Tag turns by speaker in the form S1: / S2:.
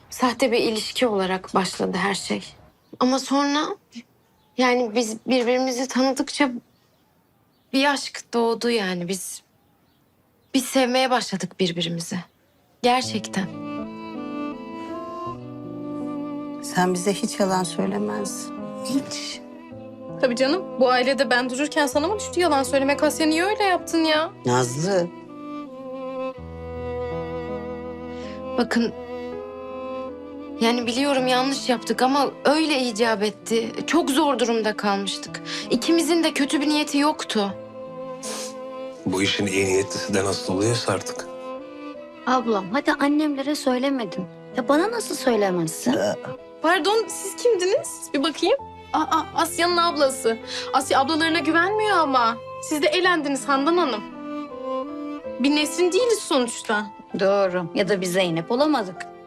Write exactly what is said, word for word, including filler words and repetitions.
S1: sahte bir ilişki olarak başladı her şey. Ama sonra yani biz birbirimizi tanıdıkça bir aşk doğdu yani. Biz biz sevmeye başladık birbirimizi. Gerçekten.
S2: Sen bize hiç yalan söylemezdin. Hiç.
S3: Tabii canım. Bu ailede ben dururken sana mı düştü yalan söylemek? Asya niye öyle yaptın ya?
S2: Nazlı.
S1: Bakın yani biliyorum yanlış yaptık ama öyle icap etti. Çok zor durumda kalmıştık. İkimizin de kötü bir niyeti yoktu.
S4: Bu işin iyi niyetlisi de nasıl oluyorsa artık.
S5: Ablam hadi annemlere söylemedin. Ya bana nasıl söylemezsin?
S3: Pardon, siz kimdiniz? Bir bakayım. Aa, Asya'nın ablası. Asya ablalarına güvenmiyor ama. Siz de elendiniz Handan Hanım. Bir Nesrin değiliz sonuçta.
S5: Doğru. Ya da bir Zeynep olamadık.